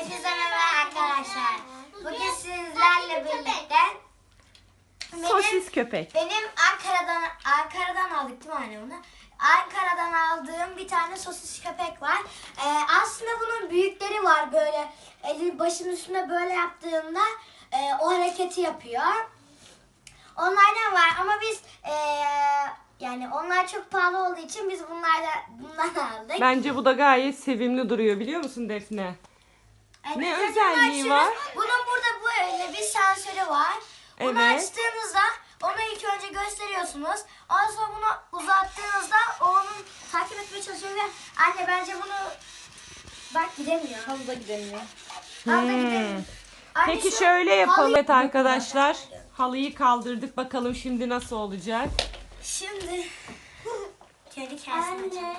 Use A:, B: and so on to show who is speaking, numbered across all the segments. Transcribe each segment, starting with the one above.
A: Hepinize merhaba arkadaşlar. Bugün sizlerle birlikte
B: Sosis köpek.
A: benim Ankara'dan aldık değil mi anne bunu? Ankara'dan aldığım bir tane sosis köpek var. Aslında bunun büyükleri var böyle. Eli başının üstüne böyle yaptığında o hareketi yapıyor. Onlardan var ama biz yani onlar çok pahalı olduğu için biz bundan aldık.
B: Bence bu da gayet sevimli duruyor, biliyor musun Defne?
A: Evet,
B: Ne
A: zaten
B: özelliği
A: açıyoruz.
B: var?
A: Bunun burada böyle bir sensörü var. Bunu
B: Evet.
A: açtığınızda onu ilk önce gösteriyorsunuz. Ondan sonra bunu uzattığınızda o onun takip etmeye çalışıyor ve anne bence bunu bak gidemiyor.
C: Halıda gidemiyor.
A: Halıda gidemiyor. Anne,
B: Peki
A: şu
B: şöyle yapalım.
A: halıyı-
B: Evet arkadaşlar, halıyı kaldırdık. Bakalım şimdi nasıl olacak?
A: Şimdi kendi kendisine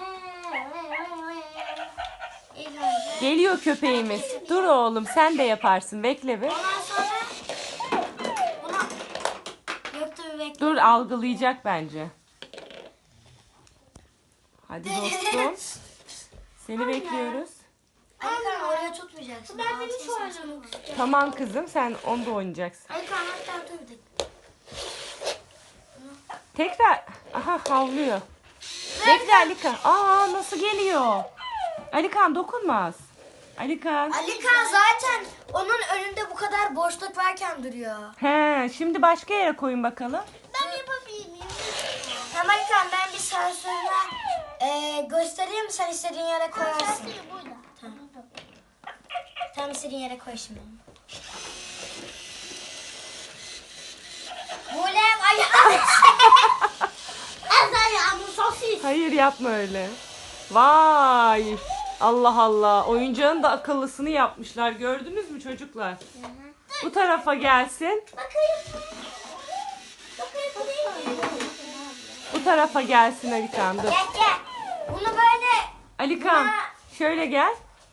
A: İlk önce
B: Geliyor köpeğimiz. Dur oğlum, sen de yaparsın. Bekle bir.
A: ondan sonra bunu yoktu bir bekle.
B: Dur, algılayacak bence. Hadi dostum. Seni bekliyoruz.
A: Alikan oraya tutmayacaksın. Ben beni şu
B: Tamam kızım, sen onda oynayacaksın.
A: Alikan hatta dur bir dakika.
B: Tekrar. Aha, havlıyor. Bekle Alikan. Aa, nasıl geliyor? Alikan dokunmaz. Alikan.
A: Alikan zaten onun önünde bu kadar boşluk varken duruyor.
B: He, şimdi başka yere koyun bakalım.
A: Ben yapabilir miyim? Tamam Alikan, ben bir sensörle göstereyim, sen istediğin yere koyarsın. Tamam. Tamam, istediğin yere koy şimdi. Bulem ayağım. Ayağımın sosis.
B: Hayır, yapma öyle. Vay. Allah Allah. Oyuncağın da akıllısını yapmışlar. Gördünüz mü çocuklar? Bu tarafa gelsin.
A: Bakayım. Bakayım.
B: Bu tarafa gelsin Alikan. Dur.
A: Gel gel. Bunu böyle
B: Alikan şöyle gel.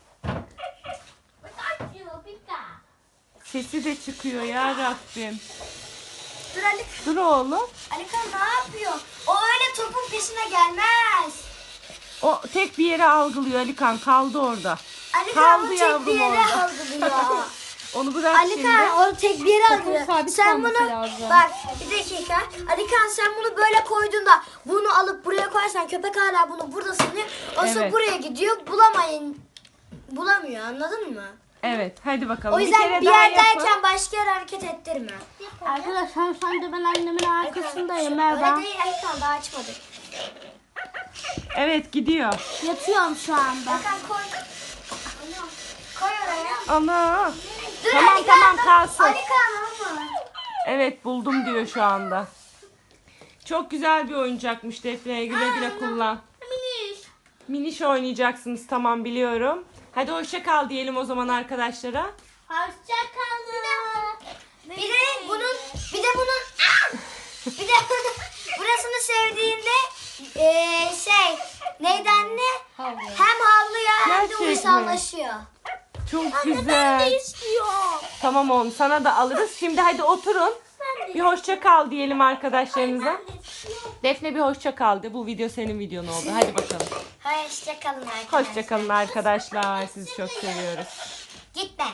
B: Sesi de çıkıyor ya Rabbim.
A: dur Alikan.
B: Dur oğlum.
A: Alikan ne yapıyor? O öyle topun peşine gelmez.
B: O tek bir yere algılıyor Alikan. Kaldı orada.
A: Alikan
B: Kaldı
A: o tek
B: yavrum
A: bir yere
B: orada.
A: algılıyor.
B: Onu bırak şimdi.
A: Alikan o tek bir yere algılıyor.
C: sabit
A: Sen
C: kalması
A: bunu
C: lazım.
A: bak bir dakika. Alikan sen bunu böyle koyduğunda bunu alıp buraya koyarsan köpek hala bunu burada sanıyor. O sonra
B: Evet.
A: buraya gidiyor bulamıyor, anladın mı?
B: Evet, hadi bakalım.
A: O yüzden
B: kere
A: bir
B: daha
A: yerdeyken
B: yapın.
A: başka yere hareket ettirme.
C: Arkadaşlar şu anda ben annemin arkasındayım.
A: Öyle
C: Merhaba.
A: değil Alikan, daha açmadık.
B: Evet, gidiyor.
C: Yatıyorum şu anda.
A: Alikan koy. Koy oraya.
B: Ana.
A: Dur
B: Tamam,
A: Alikan,
B: tamam,
A: dur.
B: kalsın.
A: Alikan ama.
B: Evet, buldum diyor şu anda. Çok güzel bir oyuncakmış Defne'ye. Güle güle kullan. Miniş oynayacaksınız, tamam biliyorum. Hadi hoşça kal diyelim o zaman arkadaşlara.
A: Hoşçakalın. Bir de bunun bir de burasını sevdiğinde neydi anne?
C: Havlıyor.
A: Hem havlıyor hem de
B: Gerçek mi?
A: uysallaşıyor.
B: Çok güzel.
A: istiyorum.
B: Tamam oğlum, sana da alırız. Şimdi hadi oturun. Bir hoşça kal diyelim arkadaşlarınıza. Defne bir hoşça kal de. Bu video senin videon oldu. Hadi bakalım.
A: Hoşçakalın arkadaşlar.
B: Hoşça kalın arkadaşlar. Sizi çok seviyoruz.
A: Gitme.